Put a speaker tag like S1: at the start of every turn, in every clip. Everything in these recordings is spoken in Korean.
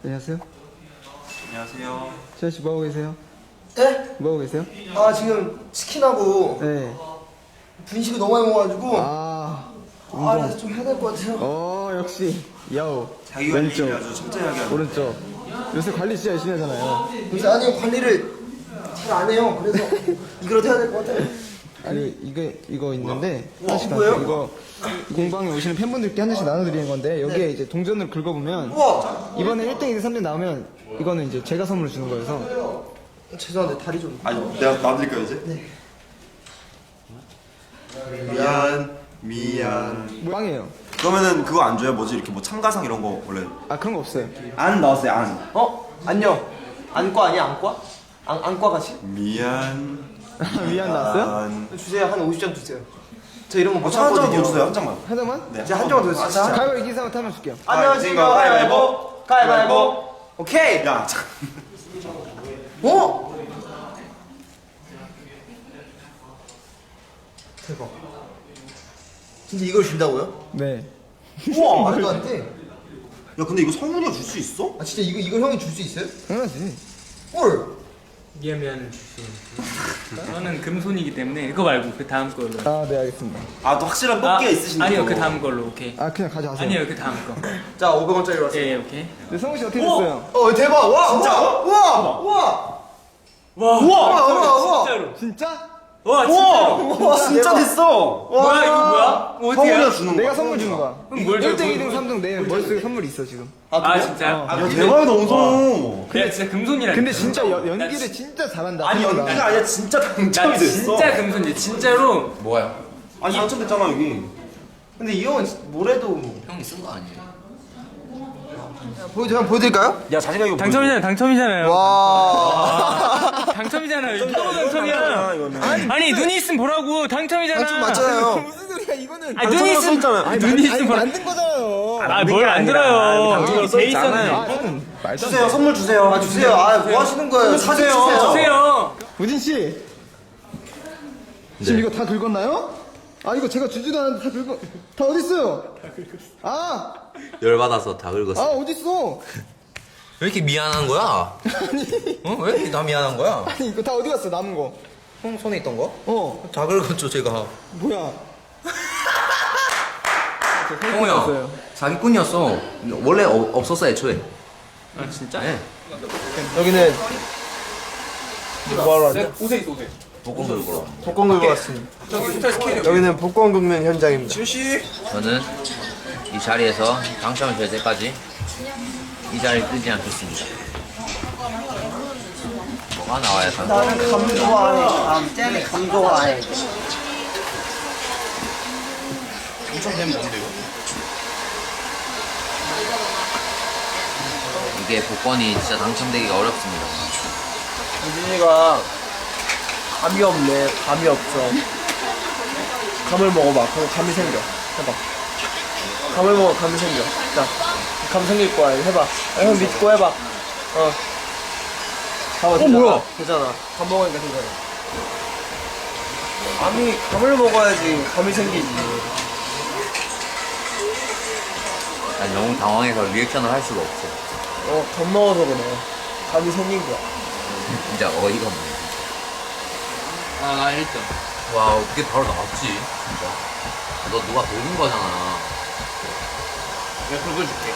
S1: 안녕하세요.
S2: 안녕하세요.
S1: 재현 씨 뭐하고 계세요?
S3: 네?
S1: 뭐하고 계세요?
S3: 아 지금 치킨하고
S1: 네.
S3: 분식을 너무 많이 먹어가지고
S1: 운동.
S3: 좀 해야 될 것 같아요.
S1: 역시 야오.
S2: 자기 관리
S1: 왼쪽,
S2: 아주 철저하게 하는.
S1: 오른쪽. 요새 관리 진짜 열심히 하잖아요.
S3: 요새 아니 관리를 잘 안 해요. 그래서 이거라도 해야 될 것 같아요.
S1: 아니 이거 있는데 하나씩
S3: 뭐예요?
S1: 나눠. 이거 공방에 오시는 팬분들께 하나씩 나눠드리는 건데 여기에 이제 동전을 긁어보면
S3: 우와!
S1: 이번에 1등, 2등, 3등 나오면 이거는 이제 제가 선물을 주는 거여서.
S3: 죄송한데 다리 좀.
S2: 아니 내가 놔드릴까요 이제?
S3: 네.
S2: 미안.
S1: 빵이에요.
S2: 그러면은 그거 안 줘요? 뭐지 이렇게 뭐 참가상 이런 거 원래
S1: 그런 거 없어요.
S2: 안 나왔어요 안.
S3: 안녕. 안과 아니야 안과? 안과 같이?
S2: 미안.
S1: 미안 나왔어요?
S3: 주세요. 한 50장 주세요. 저 이런 거못
S2: 한 장만
S3: 참거든요.
S2: 더 주세요 한 장만.
S1: 한 장만?
S2: 네.
S3: 제가 한 장만 더 주세요. 진짜.
S1: 가위바위보 이긴 사람 타면 줄게요.
S3: 안녕하십니까. 가위바위보. 가위바위보. 오케이.
S2: 야 잠깐.
S3: 어? 대박. 진짜 이걸 준다고요?
S1: 네.
S3: 우와 말도 안 돼.
S2: 야 근데 이거 성훈이가 줄 수 있어?
S3: 아 진짜 이거 형이 줄 수 있어요?
S1: 당연하지.
S3: 헐.
S4: 미안은 줄수 있어. 저는 금손이기 때문에 그거 말고 그 다음 걸로.
S1: 네 알겠습니다.
S2: 아 또 확실한 뽑기가 있으신데.
S4: 아니요 그 다음 걸로 오케이.
S1: 그냥 가져가세요.
S4: 아니요 그 다음 거.
S3: 자 500원짜리 왔어요.
S4: 예 오케이.
S1: 네, 성훈 씨 어떻게 됐어요?
S3: 대박. 와
S2: 진짜?
S3: 와.
S4: 진짜로.
S1: 진짜?
S4: 와 진짜로.
S2: 와 진짜 됐어.
S4: 뭐야 이거 뭐야?
S2: 성훈이가
S4: 어디야?
S2: 주는
S1: 내가
S2: 거야.
S1: 선물 주는 거야.
S4: 그럼 뭘 줘?
S1: 1등, 2등, 3등 내 머릿속에 선물이 있어 지금.
S4: 아 진짜?
S2: 야 대박이다 원성우.
S4: 내가 진짜 금손이라.
S1: 근데 진짜 연기를 진짜 잘한다.
S2: 아니
S1: 생각보다.
S2: 연기가 아니라 진짜 당첨이
S4: 나
S2: 됐어.
S4: 진짜 금손이 진짜로.
S5: 뭐야?
S2: 아니 당첨됐잖아 여기.
S3: 근데 이 형은 뭐래도
S5: 형이 쓴 거 아니에요?
S3: 보여드릴까요?
S2: 야 자신감 이거
S4: 당첨이잖아요.
S3: 와.
S4: 당첨이잖아요. 이거 당첨이야. 아니 눈이 있으면 보라고 당첨이잖아.
S3: 당첨 맞잖아요.
S1: 무슨 소리야 이거는.
S4: 아니 눈이 있으면
S1: 아니,
S4: 눈이 있으면 보라.
S1: 만든 거잖아요.
S4: 뭘 안 들어요.
S2: 당첨이
S4: 돼 있었네.
S1: 저는 말도 안
S2: 주세요 선물 주세요.
S3: 주세요. 뭐 하시는 거예요?
S2: 주세요.
S4: 주세요.
S1: 우진 씨. 지금 이거 다 긁었나요? 이거 제가 주지도 않았는데 다 어디 있어요?
S5: 열받아서 다 긁었어.
S1: 어디 있어?
S5: 왜 이렇게 미안한 거야? 어? 왜 이렇게 나 미안한 거야?
S1: 아니 이거 다 어디 갔어 남은 거?
S5: 형 손에 있던 거?
S1: 다
S5: 다 긁었죠 제가.
S1: 뭐야?
S5: 형우 형 사기꾼이었어. 원래 없었어 애초에.
S4: 아 진짜?
S5: 네.
S3: 여기는 뭐하러 왔죠?
S4: 오세이.
S5: 복권 긁으러.
S3: 복권 긁고 왔습니다. 여기는 복권 긁는 현장입니다.
S5: 저는 이 자리에서 당첨이 될 때까지 이 자리를 뜨지 않겠습니다. 뭐가 나와야 다.
S3: 나는 감 좋아해. 쟤는 감 좋아해.
S5: 이게 복권이 진짜 당첨되기가 어렵습니다.
S3: 유진이가 감이 없네. 감이 없어. 감을 먹어봐. 그럼 감이 생겨. 해봐. 감을 먹어. 감이 생겨. 자, 감 생길 거야. 해봐. 형 믿고 해봐. 봐봐. 되잖아. 뭐야? 되잖아. 감 먹으니까 되잖아. 감을 먹어야지 감이 생기지.
S5: 난 너무 당황해서 리액션을 할 수가 없어.
S3: 감 먹어서 그래. 감이 생긴 거야.
S5: 진짜 어이가 없네.
S4: 아 1등.
S5: 와 어떻게 바로 나왔지 진짜. 너 누가 녹인 거잖아.
S4: 내가 긁어줄게.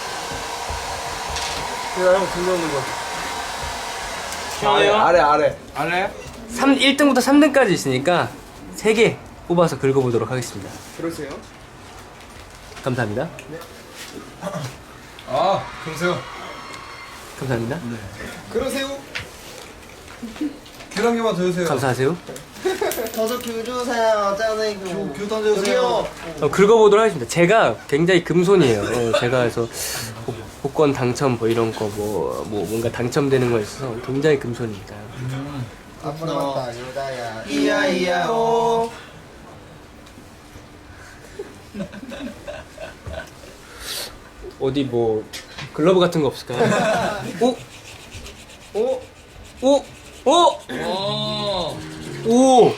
S3: 내가 형 들려오는 거.
S4: 시원해요?
S3: 아래.
S4: 알아요? 1등부터 3등까지 있으니까 3개 뽑아서 긁어보도록 하겠습니다.
S1: 그러세요?
S4: 감사합니다.
S1: 그러세요?
S4: 감사합니다.
S1: 그러세요?
S2: 귤 한 개만 더 주세요.
S4: 감사하세요.
S3: 저도 귤 주세요. 짠해 귤 던져주세요.
S4: 긁어보도록 하겠습니다. 제가 굉장히 금손이에요. 제가 해서 복권 당첨 뭐 이런 거 뭐 뭔가 당첨되는 거에 있어서 굉장히 금손입니다.
S1: 아빠 남았다 유다야.
S3: 이야 오.
S4: 어디 뭐 글러브 같은 거 없을까요? 오! 오! 오! 오! 오!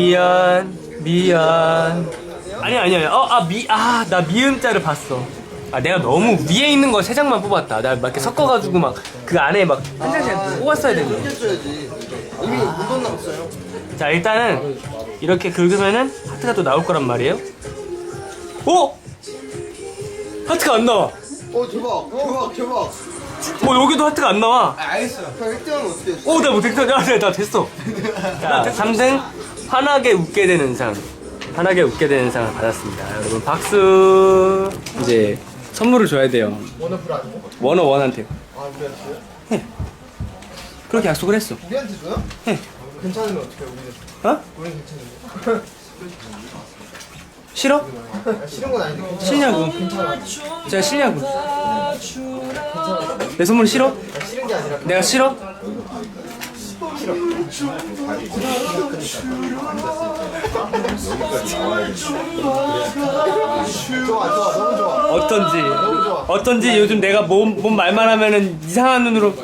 S4: 미안. 아니. 나 미음자를 봤어. 아 내가 너무 위에 있는 거 3장만 뽑았다. 나 막 이렇게 섞어가지고 막 그 안에 막 한 장씩 뽑았어야 되는데.
S1: 해줘야지. 이미 물건 남았어요.
S4: 자 일단은 이렇게 긁으면은 하트가 또 나올 거란 말이에요. 오! 하트가 안 나와.
S1: 대박.
S4: 여기도 하트가 안 나와.
S1: 형 1등하면 어떻게 했어?
S4: 오, 나 못했어. 나 됐어. 자, 3등 환하게 웃게 되는 상. 환하게 웃게 되는 상을 받았습니다. 여러분 박수. 이제 선물을 줘야 돼요. 원어원한테.
S1: 아, 우리한테요?
S4: 해. 그렇게 약속을 했어.
S1: 우리한테 줘요?
S4: 해.
S1: 괜찮으면 어떻게 해, 우리는?
S4: 어?
S1: 우리는 괜찮은데?
S4: 싫어?
S1: 싫은 건 아닌데 괜찮아.
S4: 싫냐고. 제가 싫냐고. 내 선물 싫어?
S1: 싫은 게 아니라
S4: 내가 싫어?
S1: 좋아, 너무 좋아.
S4: 어떤지 요즘 내가 몸 말만 하면은 이상한 눈으로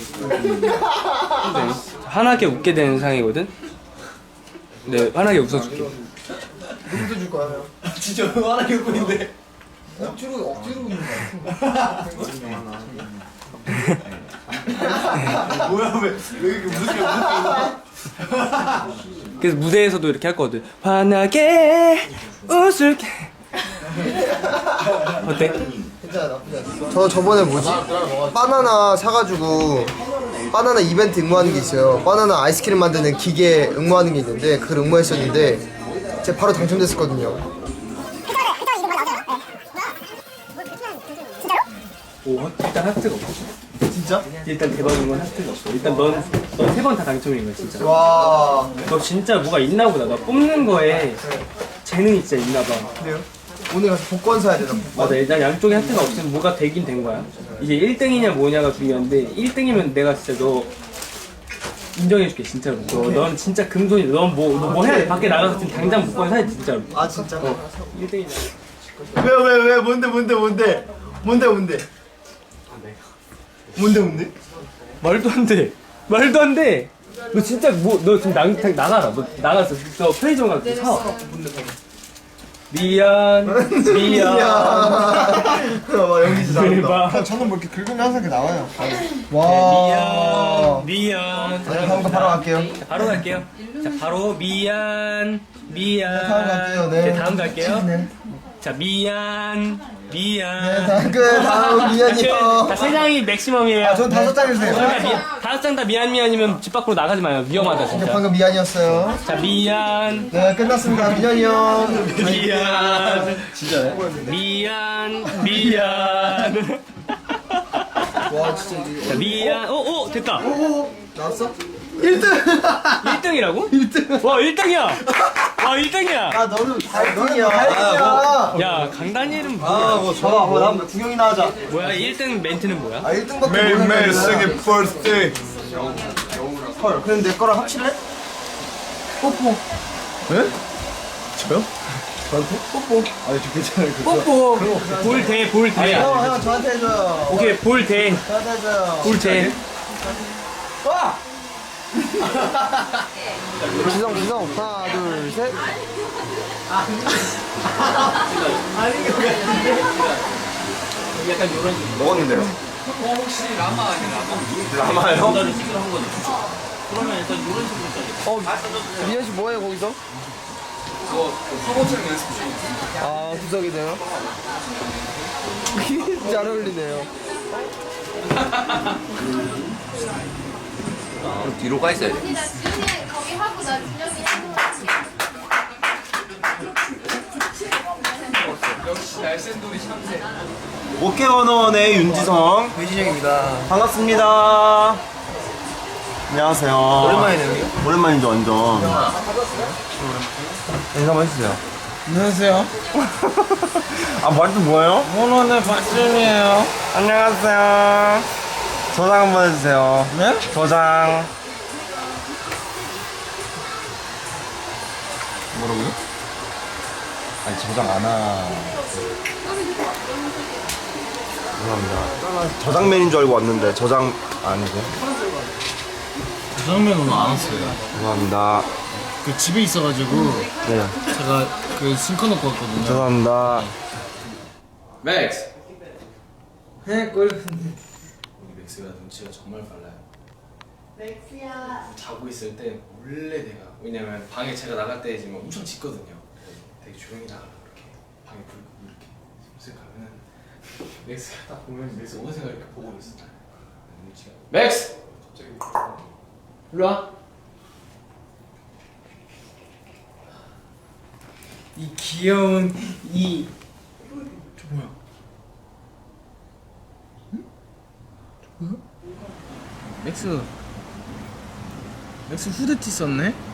S4: 환하게 웃게 되는 상이거든. 네, 환하게 웃어줄게.
S1: 누구도 줄 거야, 형.
S2: 진짜 화나게 웃고 있는데.
S1: 억지로 웃는 거야.
S2: 뭐야 왜 이렇게 무섭게
S4: 그래서 무대에서도 이렇게 할 거거든. 환하게 웃을게. 어때?
S1: 괜찮아, 나쁘지 않아. 저 저번에 뭐지? 바나나 사가지고 바나나 이벤트 응모하는 게 있어요. 바나나 아이스크림 만드는 기계 응모하는 게 있는데 그걸 응모했었는데 제가 바로 당첨됐었거든요.
S4: 오, 일단 하트가 없어.
S1: 진짜?
S4: 일단 대박인 건 하트가 없어. 일단 넌 3번 다 당첨인 거야 진짜.
S1: 와.
S4: 너 진짜 뭐가 있나 보다. 너 뽑는 거에 재능이 진짜 있나 봐.
S1: 그래요? 오늘 가서 복권 사야 되나?
S4: 맞아, 일단 양쪽에 하트가 없으면 뭐가 되긴 된 거야. 이제 1등이냐 뭐냐가 중요한데 1등이면 내가 진짜 너 인정해줄게 진짜로. 넌 진짜 금손이다. 넌 뭐 해야 돼? 밖에 나가서 지금 당장 복권 사야 돼 진짜로.
S1: 아 진짜?
S4: 1등이냐.
S1: 왜 뭔데?
S4: 말도 안 돼. 말도 안 돼. 너 진짜 너 지금 나가라. 너 나가서 너 편의점 가서 사. 미안.
S1: 와 연기 진짜
S4: 대박.
S1: 저는 뭐 이렇게 긁으면 항상 이렇게 나와요. 와.
S4: 미안.
S1: 다음 거 바로 갈게요.
S4: 자, 바로 갈게요. 자, 바로 미안.
S1: 다음 갈게요. 네.
S4: 다음 갈게요.
S1: 네.
S4: 자, 미안.
S1: 다음 미안이요.
S4: 자, 3장이 맥시멈이에요.
S1: 전 5장 해주세요.
S4: 그러니까 5장 다 미안이면 집 밖으로 나가지 마요. 위험하다, 진짜.
S1: 방금 미안이었어요.
S4: 자, 미안.
S1: 네, 끝났습니다. 미안이요.
S4: 미안.
S2: 진짜네.
S4: 미안.
S1: 와, 진짜 이게.
S4: 자, 미안. 됐다.
S1: 나왔어? 1등!
S4: 1등이라고? 1등. 와, 1등이야. 와, 1등이야.
S1: 아, 너는 8등이야.
S4: 야, 강다니엘은 뭐야?
S2: 뭐 좋아. 다음 구경이나 하자.
S4: 뭐야? 1등 멘트는 뭐야?
S1: 아, 1등밖에 모르는데.
S2: 생일 birthday.
S1: 헐, 그럼 내 거랑 합칠래? 뽀뽀.
S2: 네? 저요?
S1: 뽀뽀.
S2: 아니 저 괜찮아요.
S4: 뽀뽀. 볼 대.
S1: 형, 저한테 해줘요.
S4: 오케이, 볼 대.
S1: 저한테 해줘요.
S4: 볼 대.
S1: 와! 지성, 하나, 둘, 셋.
S2: 먹었는데요. 라마요?
S1: 미연 씨 뭐해 거기서?
S2: 화보촬영 연습 중.
S1: 아, 구석이네요. 잘 어울리네요.
S5: 그럼 뒤로 가 있어야 돼.
S6: 언니 나 준영이 거기 하고 나 준영이 하고 갈게.
S2: 오케원원의 윤지성.
S1: 배진영입니다.
S2: 반갑습니다. 안녕하세요.
S1: 오랜만이네요.
S2: 오랜만이죠 완전. 인사 한번 해주세요.
S1: 안녕하세요.
S2: 아 말도 뭐예요?
S1: 원원의 박준이에요.
S2: 안녕하세요. 저장 한번 해주세요.
S1: 네?
S2: 저장. 뭐라고요? 아니 저장 안 하. 죄송합니다. 저장맨인 줄 알고 왔는데 저장 아니고.
S7: 저장면 오늘 안 왔어요.
S2: 죄송합니다.
S7: 그 집에 있어가지고
S2: 네.
S7: 제가 그 싱커 놓고 왔거든요.
S2: 죄송합니다.
S8: Max,
S4: 꼴.
S8: 우리 맥스가 눈치가 정말 빨라요.
S6: 맥스야.
S8: 자고 있을 때 몰래 내가, 왜냐면 방에 제가 나갈 때 지금 엄청 짖거든요. 되게 조용히 나가려고 이렇게 방에 불 끄고 이렇게 슬슬 가면은 맥스가 딱 보면 맥스 어느 생각 이렇게 보고 있어. 눈치가. 맥스! 갑자기
S3: 일로 와.
S4: 이 귀여운 이
S3: 맥스 후드티 썼네?